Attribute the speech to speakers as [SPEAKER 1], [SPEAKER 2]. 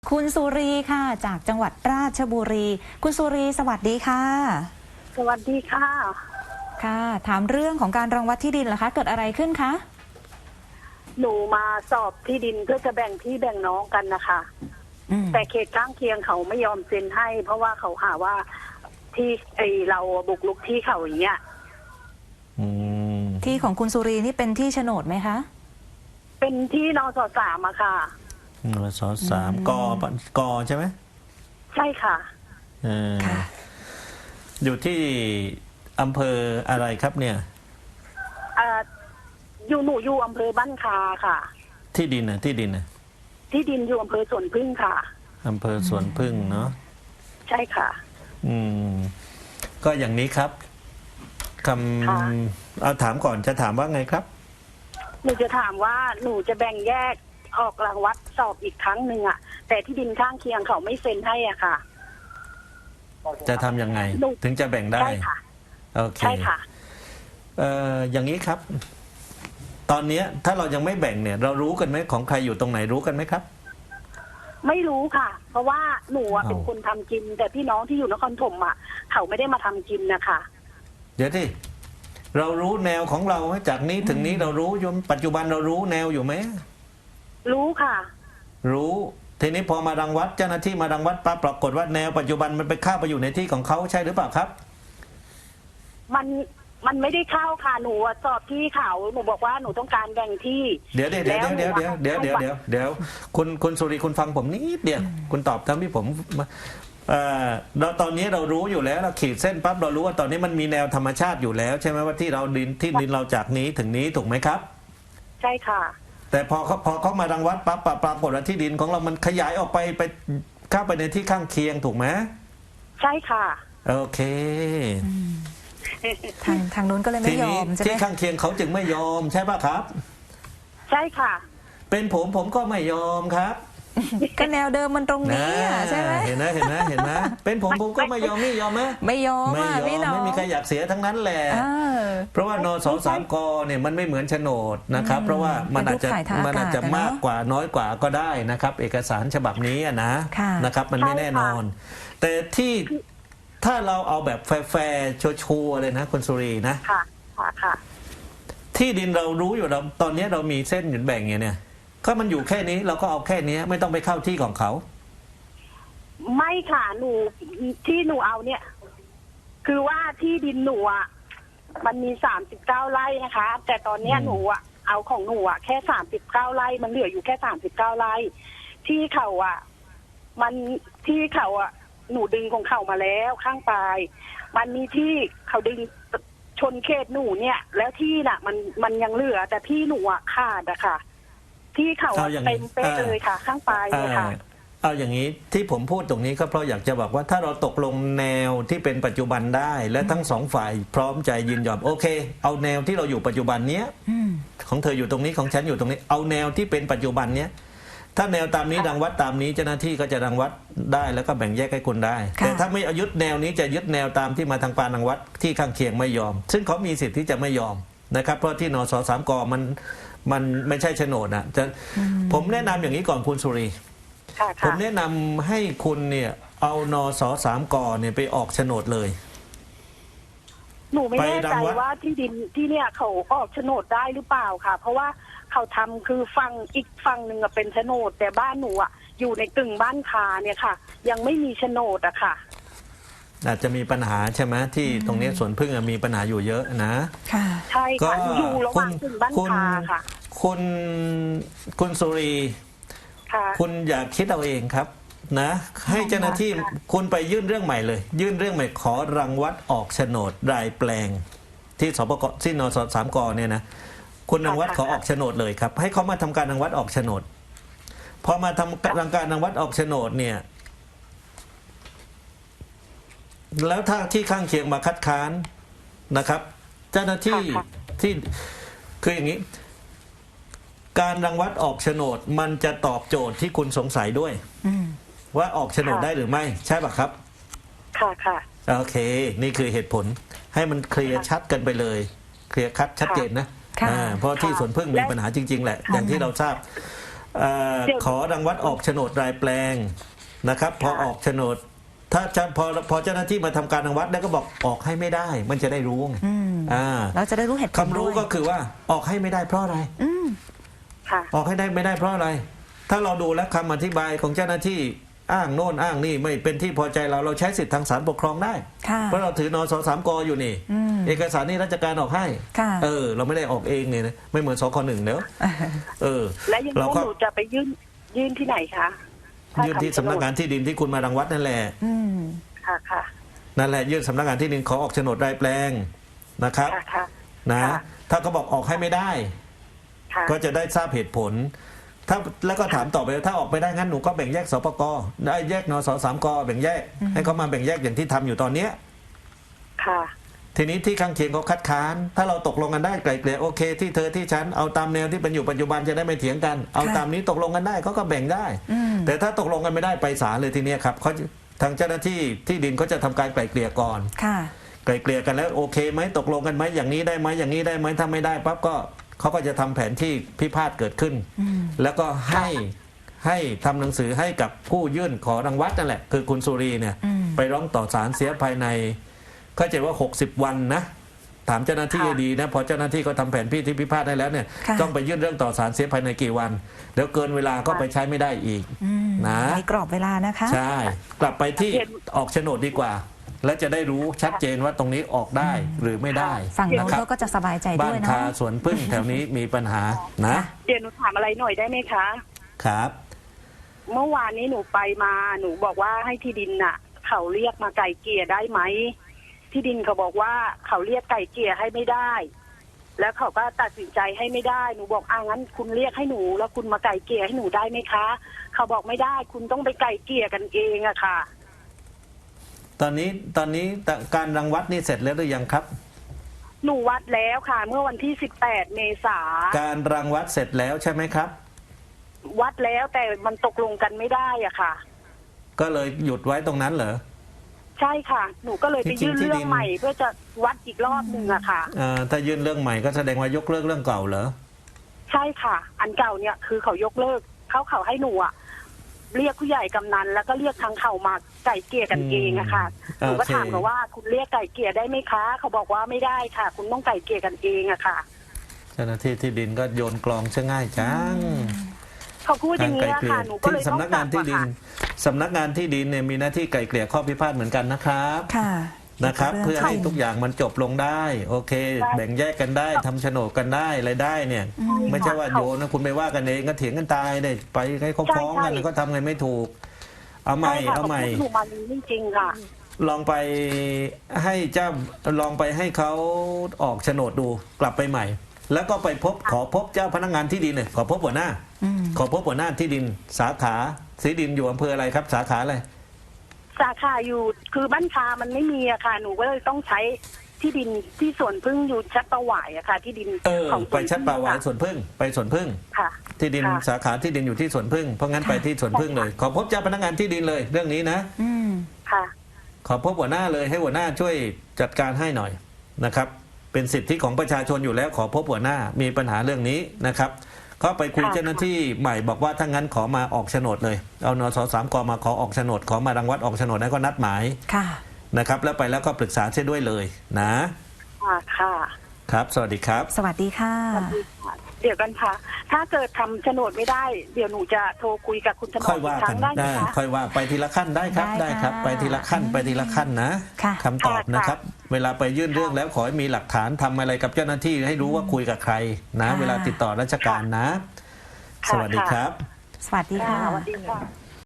[SPEAKER 1] คุณสุรีค่ะจากจังหวัดราชบุรี คุณสุรีสวัสดีค่ะ
[SPEAKER 2] สวัสดีค่ะ
[SPEAKER 1] ค่ะถามเรื่องของการรังวัดที่ดินเหรอคะเกิดอะไรขึ้นคะ
[SPEAKER 2] หนูมาสอบที่ดินเพื่อจะแบ่งพี่แบ่งน้องกันนะคะแต่เขตข้างเคียงเขาไม่ยอมเซ็นให้ เพราะว่าเขาหาว่าที่เราบุกรุกที่เขาอย่างเงี้ย
[SPEAKER 1] ที่ของคุณสุรีนี่เป็นที่โฉนดไหมคะ
[SPEAKER 2] เป็นที่นส.3อะค่ะ
[SPEAKER 3] นส.3กใช่ไหม
[SPEAKER 2] ใช่ค่ะ
[SPEAKER 1] ค่ะ
[SPEAKER 3] อยู่ที่อำเภออะไรครับเนี่ย
[SPEAKER 2] หนูอยู่อำเภอบ้านคาค่ะ
[SPEAKER 3] ที่ดิน
[SPEAKER 2] อยู่อำเภอสวนพึ่งค่ะ
[SPEAKER 3] อำเภอสวนพึ่งเนาะ
[SPEAKER 2] ใช่ค่ะ
[SPEAKER 3] ก็อย่างนี้ครับเอาถามก่อนจะถามว่าไงครับ
[SPEAKER 2] หนูจะถามว่าหนูจะแบ่งแยกออกรางวัดสอบอีกครั้งหนึ่งอะแต่ที่ดินข้างเคียงเขาไม่เซ็นให้อ่ะค่ะ
[SPEAKER 3] จะทำยังไงถึงจะแบ่งได้
[SPEAKER 2] ใช่ค่ะ
[SPEAKER 3] โอเค
[SPEAKER 2] ใช่ค่ะ
[SPEAKER 3] อย่างนี้ครับตอนนี้ถ้าเรายังไม่แบ่งเนี่ยเรารู้กันไหมของใครอยู่ตรงไหนรู้กันไหมครับ
[SPEAKER 2] ไม่รู้ค่ะ เพราะว่าหนูเป็นคนทำกินแต่พี่น้องที่อยู่นครปฐมอ่ะเขาไม่ได้มาทำกินนะคะ
[SPEAKER 3] เดี๋ยวที่เรารู้แนวของเราจากนี้ถึงนี้เรารู้อยู่ปัจจุบันเรารู้แนวอยู่ไหม
[SPEAKER 2] รู้ค่ะ
[SPEAKER 3] รู้ทีนี้พอมารังวัดเจ้าหน้าที่มารังวัดปั๊บปรากฏว่าแนวปัจจุบันมันไปเข้าไปอยู่ในที่ของเขาใช่หรือเปล่าครับ
[SPEAKER 2] มันไม่ได้เข้าค่ะหนูสอบที่เขาหนูบอกว่าหนูต้องการแบ่งที่
[SPEAKER 3] เดี๋ยวคุณสุริคุณฟังผมนิดเดียวคุณตอบทั้งที่ผมเราตอนนี้เรารู้อยู่แล้วเราขีดเส้นปั๊บเรารู้ว่าตอนนี้มันมีแนวธรรมชาติอยู่แล้วใช่ไหมว่าที่ดินเราจากนี้ถึงนี้ถูกไหมครับ
[SPEAKER 2] ใช่ค่ะ
[SPEAKER 3] แต่พอเขามารังวัดปั๊บปรากฏว่าที่ดินของเรามันขยายออกไปเข้าไปในที่ข้างเคียงถูกไหม
[SPEAKER 2] ใช่ค่ะ
[SPEAKER 3] โอเค
[SPEAKER 1] ทางนู้นก็เลยไม่ยอมใช่ไหม
[SPEAKER 3] ที่ข้างเคียงเขาจึงไม่ยอมใช่ป่ะครับ
[SPEAKER 2] ใช่ค่ะ
[SPEAKER 3] เป็นผมก็ไม่ยอมครับ
[SPEAKER 1] ก็แนวเดิมมันตรงนี้ใช่ไหม
[SPEAKER 3] เห็นไหมเป็นผมก็ไม่ยอมนี่ยอมไหม
[SPEAKER 1] ไม่ยอมพี่น้อง
[SPEAKER 3] ไม่มีใครอยากเสียทั้งนั้นแหละเพราะว่านส.3 กเนี่ยมันไม่เหมือนโฉนดนะครับเพราะว่ามันอาจจะมากกว่าน้อยกว่าก็ได้นะครับเอกสารฉบับนี้นะครับมันไม่แน่นอนแต่ที่ถ้าเราเอาแบบแฟร์ชัวร์เลยนะคุณสุรีนะ
[SPEAKER 2] ค่ะ
[SPEAKER 3] ที่ดินเรารู้อยู่แล้วตอนนี้เรามีเส้นหยุดแบ่งเนี่ยก็มันอยู่แค่นี้เราก็เอาแค่นี้ไม่ต้องไปเข้าที่ของเขา
[SPEAKER 2] ไม่ค่ะหนูที่หนูเอาเนี่ยคือว่าที่ดินหนูอ่ะมันมี39 ไร่นะคะแต่ตอนนี้หนูอ่ะเอาของหนูอ่ะแค่39 ไร่มันเหลืออยู่แค่39 ไร่ที่เขาอ่ะมันที่เขาอ่ะหนูดึงของเขามาแล้วข้างปลายมันมีที่เขาดึงชนเขตหนูเนี่ยแล้วที่น่ะมันยังเหลือแต่ที่หนูอ่ะขาดอะค่ะที่เขาเต็มเป๊ะเลยค่ะข้างปลายเลยค่ะ
[SPEAKER 3] เอาอย่างนี้ที่ผมพูดตรงนี้ก็เพราะอยากจะบอกว่าถ้าเราตกลงแนวที่เป็นปัจจุบันได้และทั้งสองฝ่ายพร้อมใจยินยอมโอเคเอาแนวที่เราอยู่ปัจจุบันเนี้ยของเธออยู่ตรงนี้ของฉันอยู่ตรงนี้เอาแนวที่เป็นปัจจุบันเนี้ยถ้าแนวตามนี้รังวัดตามนี้เจ้าหน้าที่ก็จะรังวัดได้แล้วก็แบ่งแยกให้คุณได้แต่ถ้าไม่ยึดแนวนี้จะยึดแนวตามที่มาทางปานรังวัดที่ข้างเคียงไม่ยอมซึ่งเขามีสิทธิ์ที่จะไม่ยอมนะครับเพราะที่นส.3 กมันไม่ใช่โฉนดผมแนะนำอย่างนี้ก่อนคุณสุรีผมแนะนำให้คุณเนี่ยเอานส.3 กเนี่ยไปออกโฉนดเลย
[SPEAKER 2] หนูไม่แน่ใจว่าที่ดินที่เนี่ยเขาออกโฉนดได้หรือเปล่าค่ะเพราะว่าเขาทำคือฝั่งอีกฝั่งหนึ่งเป็นโฉนดแต่บ้านหนูอ่ะอยู่ในกึ่งบ้านคาเนี่ยค่ะยังไม่มีโฉนดอะค่ะ
[SPEAKER 3] อาจจะมีปัญหาใช่ไหมที่ตรงนี้สวนพึ่งมีปัญหาอยู่เยอะนะ
[SPEAKER 2] ค่ะใช่ค่ะอยู่ระหว่างกึ่งบ้านคาค่ะ
[SPEAKER 3] คุณสุรีคุณอย่าคิดเอาเองครับนะให้เจ้าหน้าที่คุณไปยื่นเรื่องใหม่เลยยื่นเรื่องใหม่ขอรังวัดออกโฉนดรายแปลงที่สปกที่นส.3 กเนี่ยนะคุณรังวัดขอออกโฉนดเลยครับให้เขามาทำการรังวัดออกโฉนดพอมาทำการรังวัดออกโฉนดเนี่ยแล้วถ้าที่ข้างเคียงมาคัดค้านนะครับเจ้าหน้าที่ที่คืออย่างนี้การรังวัดออกโฉนดมันจะตอบโจทย์ที่คุณสงสัยด้วยว่าออกโฉนดได้หรือไม่ใช่ป่ะครับ
[SPEAKER 2] ค่ะ
[SPEAKER 3] โอเคนี่คือเหตุผลให้มันเคลียร์ชัดกันไปเลยเคลียร์คัดชัดเจนนะเพราะที่สวนพึ่งมีปัญหาจริงๆแหละอย่างที่เราทราบขอรังวัดออกโฉนดรายแปลงนะครับ พอออกโฉนด ถ้าจะพอเจ้าหน้าที่มาทำการรังวัดแล้วก็บอกออกให้ไม่ได้ มันจะได้รู้ไง
[SPEAKER 1] เราจะได้รู้เหตุผล
[SPEAKER 3] คำรู้ก็คือว่าออกให้ไม่ได้เพราะอะไร
[SPEAKER 2] ค่ะ
[SPEAKER 3] ออกให้ได้ไม่ได้เพราะอะไร ถ้าเราดูแล้วคำอธิบายของเจ้าหน้าที่อ้างโน่นอ้างนี่ไม่เป็นที่พอใจเราใช้สิทธิทางศาลปกครองได้เพราะเราถือนส3 กอยู่นี่เอกสารนี่ราชการออกให้เราไม่ได้ออกเองเนี่ยนะไม่เหมือนสค1เนอะ
[SPEAKER 2] และยังหนูจะไปยื่นที่ไหนคะ
[SPEAKER 3] ยื่นที่สำนักงานที่ดินที่คุณมารังวัดนั่นแหละ
[SPEAKER 2] ค่ะ
[SPEAKER 3] นั่นแหละยื่นสำนักงานที่ดินขอออกโฉนดรายแปลงนะครับนะถ้าเขาบอกออกให้ไม่ได้ก็จะได้ทราบเหตุผลถ้าแล้วก็ถามต่อไปถ้าออกไปได้งั้นหนูก็แบ่งแยกสปกได้แยกนส3 กแบ่งแยกให้เขามาแบ่งแยกอย่างที่ทำอยู่ตอนเนี้ย
[SPEAKER 2] ค่ะ
[SPEAKER 3] ทีนี้ที่ข้างเคียงเขาคัดค้านถ้าเราตกลงกันได้ไกลเกลี่ยโอเคที่เธอที่ฉันเอาตามแนวที่เป็นอยู่ปัจจุบันจะได้ไม่เถียงกันเอาตามนี้ตกลงกันได้เขาก็แบ่งได้แต่ถ้าตกลงกันไม่ได้ไปศาลเลยทีเนี้ยครับเขาทางเจ้าหน้าที่ที่ดินเขาจะทำการไกลเกลี่ยก่อนไกลเกลี่ยกันแล้วโอเคไหมตกลงกันไหมอย่างนี้ได้ไหมอย่างนี้ได้ไหมถ้าไม่ได้ปั๊บก็เขาก็จะทำแผนที่พิพาทเกิดขึ้นแล้วก็ให้ทำหนังสือให้กับผู้ยื่นขอรังวัดนั่นแหละคือคุณสุรีเนี่ยไปร้องต่อศาลเสียภายในเข้าใจว่า60 วันนะถามเจ้าหน้าที่ดีนะพอเจ้าหน้าที่เขาทำแผนที่พิพาทได้แล้วเนี่ยต้องไปยื่นเรื่องต่อศาลเสียภายในกี่วันเดี๋ยวเกินเวลาก็ไปใช้ไม่ได้อีกนะ
[SPEAKER 1] ในกรอบเวลานะคะ
[SPEAKER 3] ใช่กลับไปที่ออกโฉนดดีกว่าและจะได้รู้ชัดเจนว่าตรงนี้ออกได้หรือไม่ได้
[SPEAKER 1] ฝั่งนู้นเขาก็จะสบายใจด้วยเนาะ
[SPEAKER 3] บ้านคาสวนพึ่งแถวนี้มีปัญหานะ
[SPEAKER 2] เดี๋ยวหนูถามอะไรหน่อยได้ไหมคะ
[SPEAKER 3] ครับ
[SPEAKER 2] เมื่อวานนี้หนูไปมาหนูบอกว่าให้ที่ดินน่ะเขาเรียกมาไก่เกลี่ยได้ไหมที่ดินเขาบอกว่าเขาเรียกไก่เกลี่ยให้ไม่ได้แล้วเขาก็ตัดสินใจให้ไม่ได้หนูบอกงั้นคุณเรียกให้หนูแล้วคุณมาไก่เกลี่ยให้หนูได้ไหมคะเขาบอกไม่ได้คุณต้องไปไก่เกลี่ยกันเองอะค่ะ
[SPEAKER 3] ตอนนี้การรังวัดนี่เสร็จแล้วหรือยังครับ
[SPEAKER 2] หนูวัดแล้วค่ะเมื่อวันที่18 เมษา
[SPEAKER 3] การรังวัดเสร็จแล้วใช่ไหมครับ
[SPEAKER 2] วัดแล้วแต่มันตกลงกันไม่ได้อะค่ะ
[SPEAKER 3] ก็เลยหยุดไว้ตรงนั้นเหรอ
[SPEAKER 2] ใช่ค่ะหนูก็เลยไปยื่นเรื่องใหม่เพื่อจะวัดอีกรอบหนึ่งอะค่ะ
[SPEAKER 3] ถ้ายื่นเรื่องใหม่ก็แสดงว่ายกเลิกเรื่องเก่าเหรอ
[SPEAKER 2] ใช่ค่ะอันเก่าเนี่ยคือเขายกเลิกเขาให้หนูอะเรียกผู้ใหญ่กำนันแล้วก็เรียกทางเขามาไก่เกลี่ยกันเองอะค่ะหนูก็ถามเขาว่าคุณเรียกไก่เกลี่ยได้ไหมคะเขาบอกว่าไม่ได้ค่ะคุณต้องไก่เกลี่ยกันเองอะค่ะ
[SPEAKER 3] เจ้าหน้าที่ที่ดินก็โยนกลองซะง่ายจัง
[SPEAKER 2] เขาพูดอย่างนี้ค่ะหนูก็เลยต้อง
[SPEAKER 3] สำนักงานที่ดินสำนักงานที่ดินเนี่ยมีหน้าที่ไก่เกลี่ยข้อพิพาทเหมือนกันนะครับนะครับเพื่อให้ทุกอย่างมันจบลงได้โอเคแบ่งแยกกันได้ทำโฉนดกันได้อะไรได้เนี่ยไม่ใช่ว่าโยนนะคุณไปว่ากันเองก็เถียงกันตายได้ไปให้เขาฟ้องกันก็ทำไงไม่ถูกเอาใหม่
[SPEAKER 2] ถูกมาจริงๆค่ะ
[SPEAKER 3] ลองไปให้เขาออกโฉนดดูกลับไปใหม่แล้วก็ไปขอพบเจ้าพนักงานที่ดินเลยขอพบหัวหน้าที่ดินสาขาสีดินอยู่อำเภออะไรครับสาขาอะไร
[SPEAKER 2] สาขาอยู่คือบ้านคามันไม่มีอะค่ะหนูก็เลยต้องใช้ที่ดินที่สวนพึ่งอยู่ชัดประหวายอะค่ะที่ดิน
[SPEAKER 3] ของไปชัดประหวายสวนพึ่งไปสวนพึ่ง
[SPEAKER 2] ค่ะ
[SPEAKER 3] ที่ดินสาขาที่ดินอยู่ที่สวนพึ่งเพราะงั้นไปที่สวนพึ่งเลยขอพบเจ้าพนักงานที่ดินเลยเรื่องนี้นะ
[SPEAKER 2] ค่ะ
[SPEAKER 3] ขอพบหัวหน้าเลยให้หัวหน้าช่วยจัดการให้หน่อยนะครับเป็นสิทธิของประชาชนอยู่แล้วขอพบหัวหน้ามีปัญหาเรื่องนี้นะครับก็ไปคุยเจ้าหน้าที่ใหม่บอกว่าถ้างั้นขอมาออกโฉนดเลยเอานส3 กมาขอออกโฉนดขอมารังวัดออกโฉนดแล้วก็นัดหมายนะครับแล้วไปแล้วก็ปรึกษาเช่ด้วยเลยนะ
[SPEAKER 2] ค่ะ
[SPEAKER 3] ครับสวัสดีครับ
[SPEAKER 1] สวัสดีค่ะ
[SPEAKER 2] เดี๋ยวกันค่ะถ้าเกิดทำโฉนดไม่ได้เดี๋ยวหนูจะโทรคุยกับคุณถนอมอีกครั้งได้ไหมคะ
[SPEAKER 3] ค่อยว่าไปทีละขั้นได้ครับไปทีละขั้นนะคำตอบนะครับเวลาไปยื่นเรื่องแล้วขอให้มีหลักฐานทำอะไรกับเจ้าหน้าที่ให้รู้ว่าคุยกับใครนะเวลาติดต่อราชการนะสวัสดีครับ
[SPEAKER 1] สวัสดีค่ะ
[SPEAKER 2] สวัสดีค่ะ